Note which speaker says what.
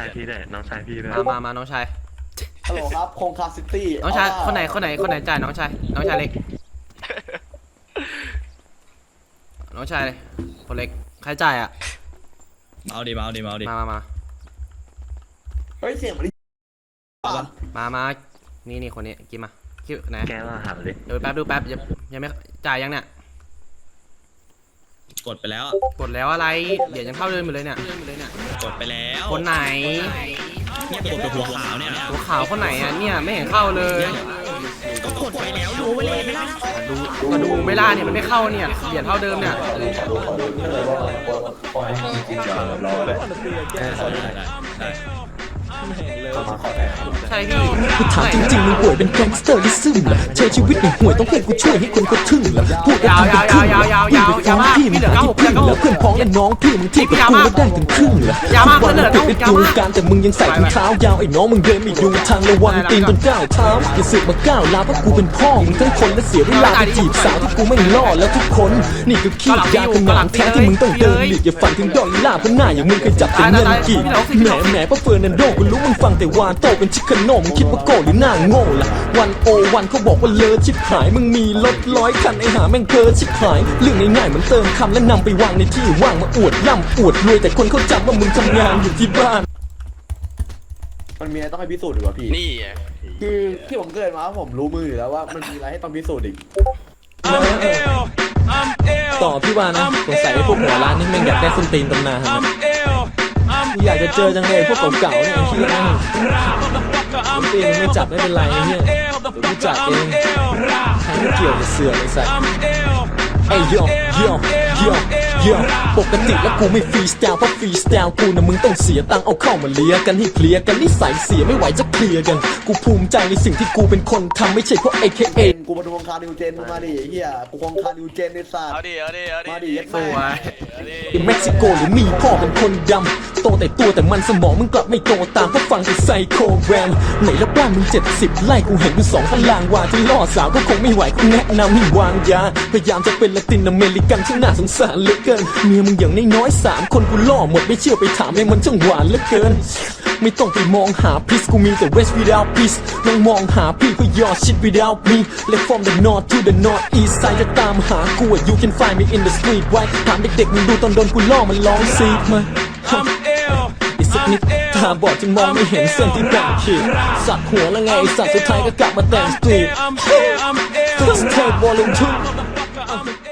Speaker 1: ายพี่ได้น้องชายพี่ได้
Speaker 2: มาน้องชาย
Speaker 3: ฮัลโหลครับโคงคาซิตี้
Speaker 2: น้องชายคนไหนจ่ายน้องชายเล็กน้องชายเลยคนเล็กใครจ่ายอ่ะ
Speaker 4: มาดิมา
Speaker 3: เฮ้ยเสียงมัน
Speaker 2: มานี่คนนี้กินมาคิวไหน
Speaker 1: แกมาหาดิ
Speaker 2: ดูแป๊บยังไม่จ่ายยังเนี่ย
Speaker 4: กดไปแล้ว
Speaker 2: กดแล้วอะไรเดี๋ยวยังเข้าเดินอยู่เลยเนี่ย
Speaker 4: กดไปแล้ว
Speaker 2: คนไหน
Speaker 4: เนี่ยกดตัวหัวขาวเนี่ย
Speaker 2: หัวขาวคนไหนอ่ะเนี่ยไม่เห็นเข้าเลย
Speaker 4: ก็กดไปแล้วดูไปเลยไม่ได้
Speaker 2: ดูไม่ล่าเนี่ยมันไม่เข้าเนี่ยเหรียญเท่าเดิมเนี่ยใช่พี่
Speaker 5: กูถามจริงๆมึงป่วยเป็นแก๊งสเตอร์ลิซึมเหรอใช้ชีวิตในห่วยต้องให้กูช่วยให้คนเขาทึ่งเหรอพูดแล้วทำเป็นครึ่งเหรอพี่ไปฟ้องพี่มึงหาที่พึ่งแล้วเพื่อนพ้องและน้องพี่มึงเทียบกับกูแล้วได้ถึงครึ่งเหรอทุกวันมึงเป็นดูการแต่มึงยังใส่ถุงเท้ายาวไอ้น้องมึงเดินไม่ดูทางระวังตีนบนก้าวเท้าอย่าสึกมาก้าวลาเพราะกูเป็นพ่อมึงทั้งคนและเสียเวลาไปจีบสาวที่กูไม่ล่อแล้วทุกคนนี่ก็ขี้ยาขนาดแท้ที่มึงต้องเดินหลีกอย่าฝันถึงดอกล่าเพราะหน้าอย่างมึงเคยจับเป็นเงินกี่แหมเพราะเฟิร์นันโดกูรู้มึงฟังแต่วานโตเป็นชิคาโนมึงคิดว่าโก้หรือหน้าโง่ล่ะ101เขาบอกว่าเลิศชิบหายมึงมีรถ100 คันไอหาแม่งเพ้อชิบหายเรื่องง่ายๆเหมือนเติมคำและนำไปวางในที่ว่างมาอวดร่ำอวดรวยแต่คนเขาจำว่ามึงทำงานอยู่ที่บ้าน
Speaker 3: มันมีอะไรต้องให้พิสูจน์ดีกว่าพี่นี่คือที่ผมเกิดมาผมรู้มืออยู่แล้วว่ามันมีอะไรให้ต้องพิสูจน์อีก
Speaker 5: ต่อพี่ว่านะสงสัยไอ้พวกหัวร้านนี่แม่งอยากได้ส้นตีนตำนานนะอยากจะเจอจังเลยพวกเก่าๆเนี่ยไอ้ที่นั่นส้นตีนไม่จับไม่เป็นไรเนี่ยเดี๋ยวกูจับเองใครไม่เกี่ยวจะเสือกไอ้สัสเอ้ยโยปกติแล้วกูไม่ฟรีสไตล์เพราะฟรีสไตล์กูนะมึงต้องเสียตังค์เอาเข้ามาเลียกันให้เคลียร์กันนิสัยเสียไม่ไหวจะเคลียร์กันกูภูมิใจในสิ่งที่กูเป็นคนทำไม่ใช่เพราะ AKA
Speaker 3: กูมาดูวงการนิวเจนมาดิเฮียกูวงการนิวเจนในศาสตร์มาดิ
Speaker 2: สวย
Speaker 5: เม็กซิโกหรือมีพ่อเป็นคนดำโตแต่ตัวแต่มันสมองมึงกลับไม่โตตามเพราะฟังแต่ไซโคแรมไหนละบ้านมึง70 ไร่กูเห็นอยู่2 ตารางวาที่ล่อสาวก็คงไม่ไหวกูแนะนำให้วางยาพยายามจะเป็นละตินอเมริกันที่น่าสงสารเหลือเกินเมียมึงอย่างน้อยๆ3 คนกูล่อหมดไม่เชื่อไปถามยังมันช่างหวานเหลือเกินไม่ต้องไปมองหาพีซกูมีแต่ West without peace ลองมองหาพี่เพื่อยอด shit without me Left from the north to the north east side จะตามหากู you can find me in the street ไว้ถามเด็กๆมึงดูตอนโดนกูล่อมันร้องซีดมาอีกสักนิดตาบอดจึงมองไม่เห็นเส้นที่แบ่งขีดสักหัวแล้วไงสัตว์สุดท้ายก็กลับมาแต่งสตรีท Fix tape volume 2